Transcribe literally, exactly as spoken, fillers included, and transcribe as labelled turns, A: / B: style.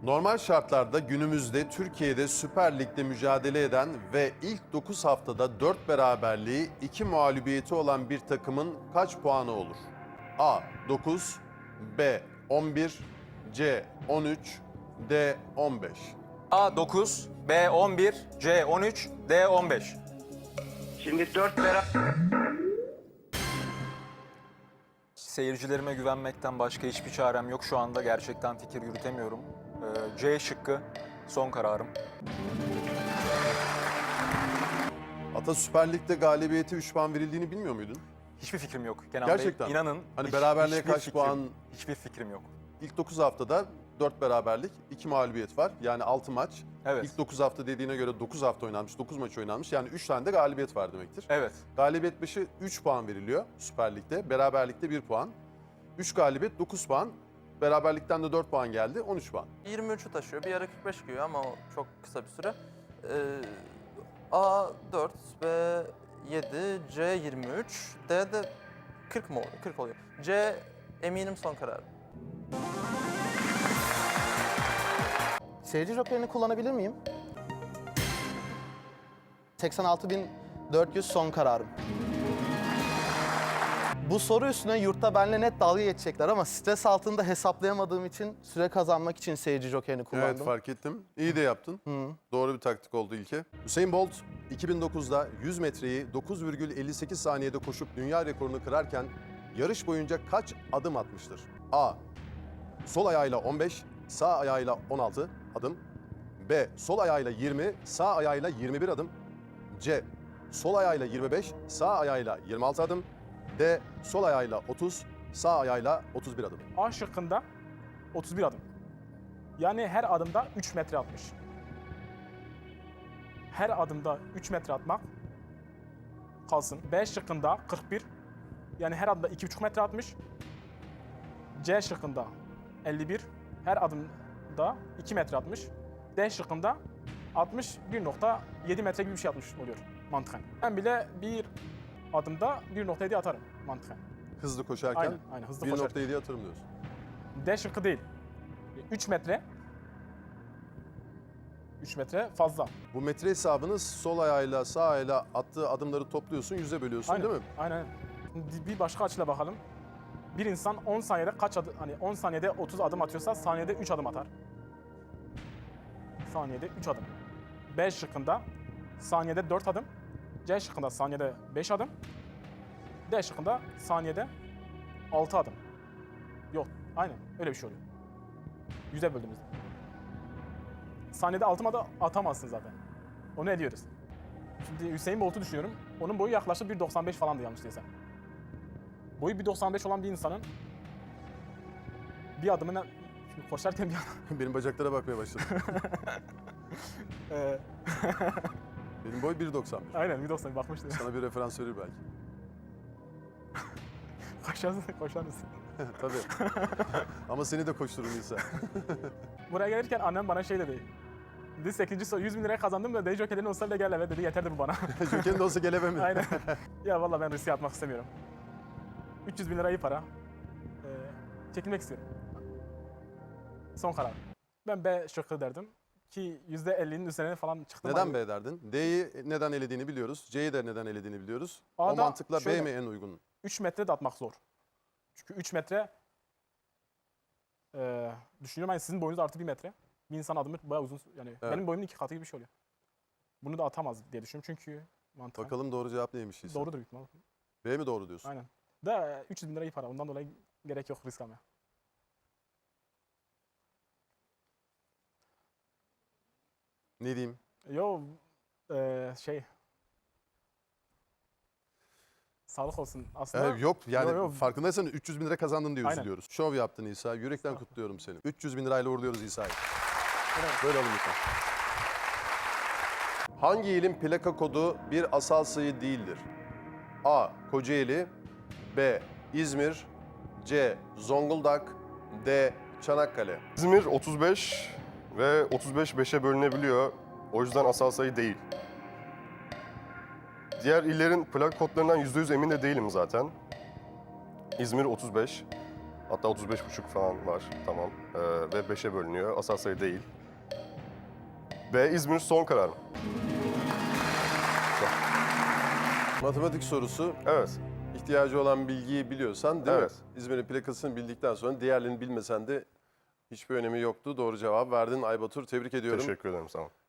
A: Normal şartlarda günümüzde Türkiye'de Süper Lig'de mücadele eden ve ilk dokuz haftada dört beraberliği, iki mağlubiyeti olan bir takımın kaç puanı olur? A. dokuz, B. on bir, C. on üç, D. on beş.
B: A dokuz, B on bir, C on üç, D on beş.
C: Şimdi dört beraber...
B: Seyircilerime güvenmekten başka hiçbir çarem yok. Şu anda gerçekten fikir yürütemiyorum. Ee, C şıkkı son kararım.
A: Ata, Süper Lig'de galibiyeti üç puan verildiğini bilmiyor muydun?
B: Hiçbir fikrim yok Kenan
A: Gerçekten
B: Bey. İnanın.
A: Hani
B: hiç-
A: beraberliğe
B: hiçbir
A: kaç
B: fikrim-
A: puan?
B: Hiçbir fikrim yok.
A: İlk dokuz haftada dört beraberlik, iki mağlubiyet var. Yani altı maç.
B: Evet.
A: İlk dokuz hafta dediğine göre dokuz hafta oynanmış, dokuz maç oynanmış. Yani üç tane de galibiyet var demektir.
B: Evet.
A: Galibiyet başı üç puan veriliyor Süper Lig'de. Beraberlikte bir puan. üç galibiyet dokuz puan. Beraberlikten de dört puan geldi, on üç puan.
D: yirmi üçü taşıyor. Bir ara kırk beş giyiyor ama o çok kısa bir süre. Ee, A dört, B yedi, C yirmi üç, D de kırk mı oluyor? kırk oluyor. C eminim son karar.
E: Seyirci jokerini kullanabilir miyim? seksen altı bin dört yüz son kararım. Bu soru üstüne yurtta benimle net dalga geçecekler ama stres altında hesaplayamadığım için süre kazanmak için seyirci jokerini kullandım.
A: Evet, fark ettim. İyi de yaptın. Doğru bir taktik oldu İlke. Usain Bolt iki bin dokuzda yüz metreyi dokuz virgül elli sekiz saniyede koşup dünya rekorunu kırarken yarış boyunca kaç adım atmıştır? A. Sol ayağıyla on beş, sağ ayağıyla on altı adım. B. Sol ayağıyla yirmi, sağ ayağıyla yirmi bir adım. C. Sol ayağıyla yirmi beş, sağ ayağıyla yirmi altı adım. D. Sol ayağıyla otuz, sağ ayağıyla otuz bir adım.
F: A şıkkında otuz bir adım. Yani her adımda üç metre atmış. Her adımda üç metre atmak kalsın. B şıkkında kırk bir. Yani her adımda iki buçuk metre atmış. C şıkkında elli bir. Her adımda iki metre atmış. D şıkkında altmış bir nokta yedi metre gibi bir şey atmış oluyor mantıken. Ben bile bir adımda bir nokta yedi atarım mantıken.
A: Hızlı koşarken
F: Aynen, aynen, hızlı
A: bir
F: koşarken.
A: nokta yediye atarım diyorsun.
F: D şıkkı değil. üç metre. üç metre fazla.
A: Bu metre hesabını sol ayağıyla sağ ayağıyla attığı adımları topluyorsun, yüze bölüyorsun
F: Aynen.
A: değil mi?
F: Aynen. Bir başka açıyla bakalım. Bir insan on saniyede kaç adım, hani on saniyede otuz adım atıyorsa saniyede üç adım atar. Saniyede üç adım. B şıkkında saniyede dört adım. C şıkkında saniyede beş adım. D şıkkında saniyede altı adım. Yok, aynen öyle bir şey oluyor. Yüze böldüğümüzde. Saniyede altı adım atamazsın zaten. Onu ediyoruz. Şimdi Hüseyin Bolt'u düşünüyorum. Onun boyu yaklaşık bir doksan beş falandı yanlış değilsem. Boyu bir doksan beş olan bir insanın bir adımına şimdi koşarken bir adam...
A: Benim bacaklara bakmaya başladım.
F: Ee,
A: Benim boy bir doksan bir.
F: aynen bir doksan bakmıştım.
A: Sana bir referans verir belki.
F: Koşarsın, koşar mısın?
A: Tabii. Ama seni de koşturur İsa.
F: Buraya gelirken annem bana şey dedi. Dedi sekizinci soru yüz bin liraya kazandım da dedi jokerlerin olsa bile gel eve dedi yeterdi bu bana.
A: Joker'in de olsa geleve mi?
F: Aynen. Ya vallahi ben riske atmak istemiyorum. üç yüz bin lira iyi para. Ee, çekilmek istiyorum. Son karar. Ben B şıkkı derdim. Ki yüzde ellinin üzerine falan çıktım.
A: Neden B derdin? D'yi neden elediğini biliyoruz. C'yi de neden elediğini biliyoruz. O
F: A'da
A: mantıkla B
F: şöyle.
A: mi en uygun?
F: üç metre de atmak zor. Çünkü üç metre e, düşünüyorum hani sizin boyunuz artı bir metre. Bir insan adımı bayağı uzun yani
A: Evet.
F: benim boyumun iki katı gibi bir şey oluyor. Bunu da atamaz diye düşünüyorum çünkü mantıken.
A: Bakalım doğru cevap neymiş İsa?
F: Doğrudur büyük ihtimalle.
A: B mi doğru diyorsun?
F: Aynen. Da üç yüz bin lira iyi para. Ondan dolayı gerek yok risk almaya.
A: Ne diyeyim?
F: Yo e, şey sağlık olsun aslında.
A: Ee, yok yani
F: Yo, yo.
A: farkındaysan üç yüz bin lira kazandın diye
F: Aynen.
A: üzülüyoruz. Şov yaptın İsa. Yürekten kutluyorum seni. üç yüz bin lirayla uğurluyoruz İsa'yı.
F: Evet.
A: Böyle alın lütfen. Hangi ilin plaka kodu bir asal sayı değildir? A. Kocaeli, B. İzmir, C. Zonguldak, D. Çanakkale.
G: İzmir otuz beş ve otuz beş beşe bölünebiliyor. O yüzden asal sayı değil. Diğer illerin plak kodlarından yüzde yüz emin de değilim zaten. İzmir otuz beş Hatta otuz beş buçuk falan var. Tamam. Ee, ve beşe bölünüyor. Asal sayı değil. B. İzmir son kararım.
A: Matematik sorusu.
G: Evet.
A: İhtiyacı olan bilgiyi biliyorsan değil
G: Evet.
A: mi? İzmir'in plakasını bildikten sonra diğerlerini bilmesen de hiçbir önemi yoktu. Doğru cevap verdin Aybatur. Tebrik ediyorum.
G: Teşekkür ederim. Sağ olun.